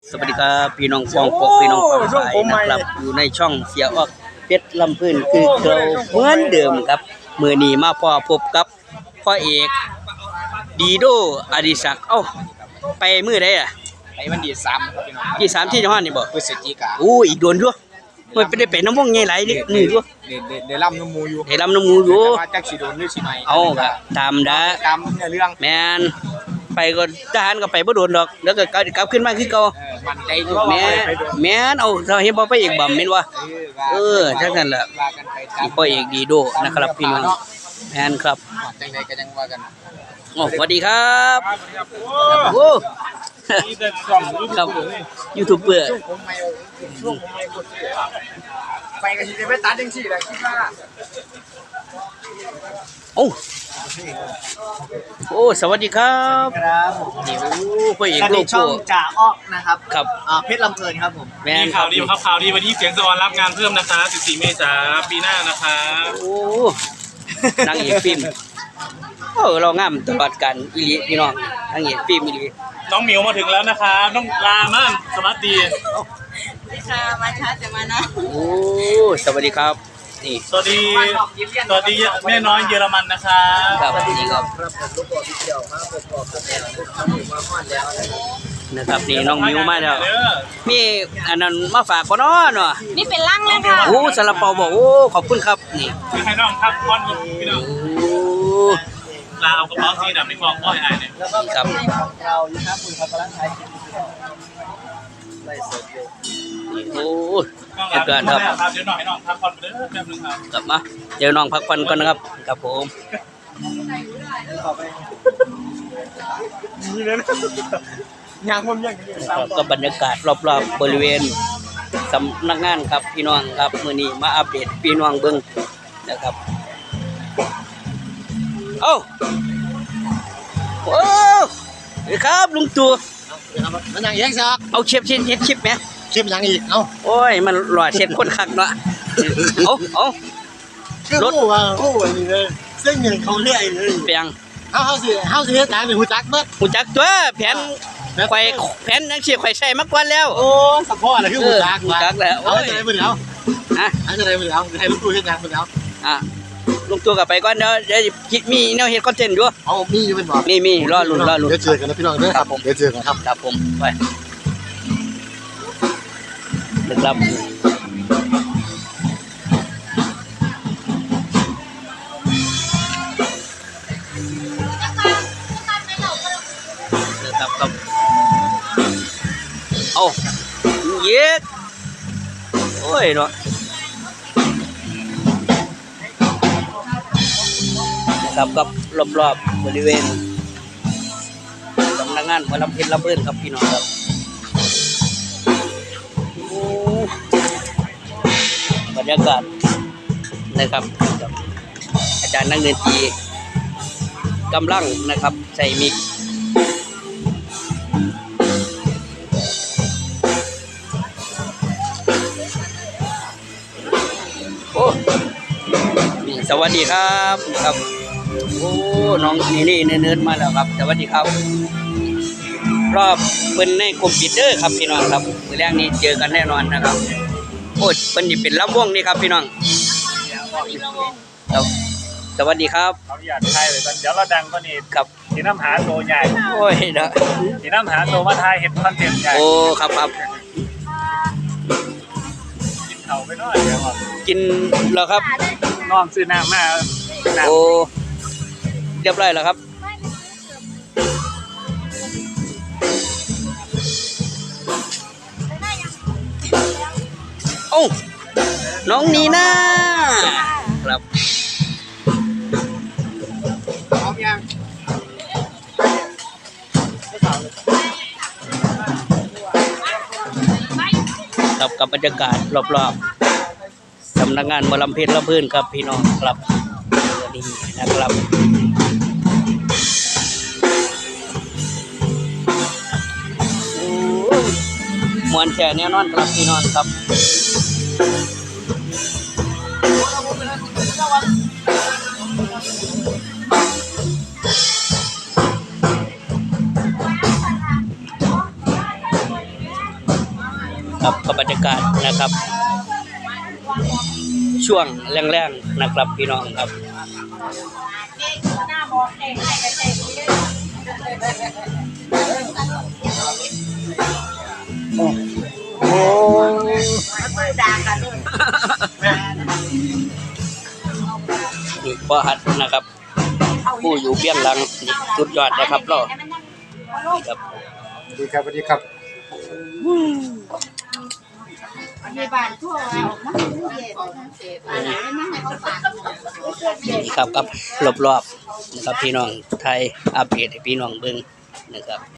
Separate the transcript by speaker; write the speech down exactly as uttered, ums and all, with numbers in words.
Speaker 1: สวัสดีครับพี่น้องฟองปกพี่น้องฟองสายนะครับอยู่ในช่องเสียออกเพชรลำพื้นคือเก่าเหมือนเดิมครับมือนี้มาพอพบกับพ่อเอกดีโดอดิศักดิ์เอ้าไปมือได้อ่ะ
Speaker 2: ไปวันที่สามครับพี่น้อง
Speaker 1: ที่สามที่จังหวัดนี่บ่
Speaker 2: พฤศจิกา
Speaker 1: โอ้อีกโดนด้วยมันไปได้ไปน้ำวงใหญ่หลายนิดนี่ด้วย
Speaker 2: เดี๋ยวเดี๋ยวล่ำน้ำมูอยู่
Speaker 1: ให้ลำน้ำมูอยู่
Speaker 2: ว่าจักสีโดนหรือสีไหน
Speaker 1: เอาครับตามดา
Speaker 2: ตามเนื้อเรื่อง
Speaker 1: แมนไปก็ทหารก็ไปบ่โดนดอกแล้วก็กลับขึ้นมาคือเก่า
Speaker 2: มันใจดู
Speaker 1: แม่แม่นเอาเราเห็นบ่ไปอีกบ่แม่นว่าเออจังนั้นล่ะพ่อเอกดีโดนะครับพี่น้องแม่นครับ
Speaker 2: จังไดก็จังว่ากัน
Speaker 1: โอ้สวัสดีครับโอ้ครับยูทูบเบอร์
Speaker 2: ไปกันสิไปตัดจังซี่แหละคิดว่า
Speaker 1: โอ้โอ้สวัสดีครับ
Speaker 3: ครับ
Speaker 1: นี่โอ้พ่อเอกโลโก้
Speaker 3: ช่องจ่าอ้อนะครับ
Speaker 1: ครับ
Speaker 3: อ่าเพชรลำเพลินครับผม
Speaker 1: แม่น
Speaker 4: ข่าวดีครับข่าวดีวันที่เสียงสวรรค์รับงานเพิ่มนะคะสิบสี่เมษายนปีหน้านะคะ
Speaker 1: โอ้นางเอกฟิล์มโอ้เรางามตลอดกันอีหลีพี่น้องนางเอกฟิล์มอีหลี
Speaker 4: น้องหมิวมาถึงแล้วนะคะน้องลาม่านสวัสดี
Speaker 5: ค่ะมาช้าแต่มานะ
Speaker 1: โอ้สวัสดีครับนี่
Speaker 4: สวัสดีสวัสดีแม่น้อยเยอรมันนะคะ
Speaker 1: ครับนี่ครับ
Speaker 3: ครับผมลูกบอลที่เกี่ยวมาผมบอกกับแม่นะครับผมมาฮอดแล้ว
Speaker 1: นะครับนี่น้องมิวมาแล้วมีอันนั้นมาฝากบ่เนาะเนาะ
Speaker 5: นี่เป็นร่างเลยค่ะ
Speaker 1: โอ้ซาลาเปาบอกโอ้ขอบคุณครับนี่
Speaker 4: มีใครน้องครับก้อนพี่น้อง
Speaker 1: โอ้
Speaker 4: ลาเอากระเป๋าสีดำในกล่องก้อยไอ้เนี่ย
Speaker 3: แล้วก็ครับเรานะครับคุณครับกำลังถ่ายคลิปไล่สดอยู่
Speaker 1: โอ้
Speaker 4: เดี๋ยวก่อนครับเดี๋ยวน้องให้น้องพักผ่อนไปเด้อแป๊บนึงครับ
Speaker 1: กลับมาเดี๋ยวน้องพักผ่อนก่อนนะครับครับผม
Speaker 3: นี่เลยยางผมยัง
Speaker 1: ก็บรรยากาศรอบๆบบริเวณสำนักงานครับพี่น้องครับมื้อนี้มาอัปเดตพี่น้องเบิ่งนะครับเอ้าโอ้สวัสดีครับลุงตู่
Speaker 3: มันยังแยกซัก
Speaker 1: เอาเชฟเชฟเชฟชิปมั้ย
Speaker 3: คลิปยังอีกเอ้า
Speaker 1: โอ้ยมันหล่อเช็ดคนคักเนาะเอาเอา
Speaker 3: รถว่าโอ้ยนี่เลยเส้นเงินเขาเรื่อยเลย
Speaker 1: เปียง
Speaker 3: เฮาเฮาสิเฮาสิเฮ็ดจังนี่ฮู้จักเบิด
Speaker 1: ฮู้จักตัวแผนไข่แผนจังซี่ไข่ใช้มาก่อนแล้ว
Speaker 3: โอ้สะพอน่ะคือฮู้จัก
Speaker 1: ฮู้จักแล้ว
Speaker 3: เอาจะได้บ่เอา
Speaker 1: ฮะ
Speaker 3: เอาจะได้บ่เอาให้ลุงตู่เฮ็ดจังบ่เอา
Speaker 1: อ่ะลุงตู่ก็ไปก่อนเด้อเดี๋ยวมีแนวเฮ็ดคอนเทนต์อยู่
Speaker 3: เอามีอยู่เป็นบ่
Speaker 1: มีมีรอลุ้นรอลุ้น
Speaker 3: เดี๋ยวเจอกันนะพี่น้องเด้อครับผมเดี๋ยวเจอกันครับ
Speaker 1: ครับผมไปนะครับนะครับครับเอาเย็ดโอ้ยเนาะนะครับกับรอบๆบริเวณสำนักงานหัวลำเพลินลำเบิ้ลครับพี่น้องครับบรรยากาศนะครับอาจารย์นักดนตรีกำลังนะครับใส่มิกโอ้สวัสดีครับครับโอ้น้องนี่นี่เนิร์ดมาแล้วครับสวัสดีครับรอบเป็นในกลุ่มปิดเด้อครับพี่น้องครับมื้อแรกนี้เจอกันแน่นอนนะครับโอ้เป็นนี่เป็นลำวงนี่ครับพี่น้องครับสวัสดีครับ
Speaker 4: เขาอยากทายเลยตอนเดี๋ยวเราดังก็นี่
Speaker 1: ครับ
Speaker 4: สีน้ำหาตัวใหญ่
Speaker 1: โอ้ยนะ
Speaker 4: สีน้ำหาตัวมาทายเห็นคอนเทนต์ใหญ่
Speaker 1: โอ้ครับครับ
Speaker 4: กินเขาไปหน่อยเดี๋ยว
Speaker 1: กินแล้วครับ
Speaker 4: น้องซื้อน้ำมา
Speaker 1: โอ้เรียบร้อยแล้วครับโอ้น้องนีน่าครับ
Speaker 3: พร้อมยัง
Speaker 1: ครับกับบรรยากาศรอบๆสำนักงานหมอลำเพชรลำพื้นครับพี่น้องครับนี่นะครับมวนแช่แน่นอนครับพี่น้องครับ คครับกับบรรยากาศนะครับ ช่วงแรงๆนะครับพี่น้องครับ
Speaker 5: หน้ามองเองให้กระเจง
Speaker 3: โอ้
Speaker 5: มือด่ากันเลย
Speaker 1: นี่พ่อหัดนะครับ ผู้อยู่เบี้ยงหลังนี่สุดยอดนะครับเราครับ
Speaker 2: สวัสดีครับสวัสดีครับ
Speaker 5: มีบ้านทั่วออกมาเย็นอะไรไม่ให้เขาฝาก
Speaker 1: นี่ครับกับรอบๆนะครับพี่น้องไทยอัปเดตให้พี่น้องเบิ่งนะครับ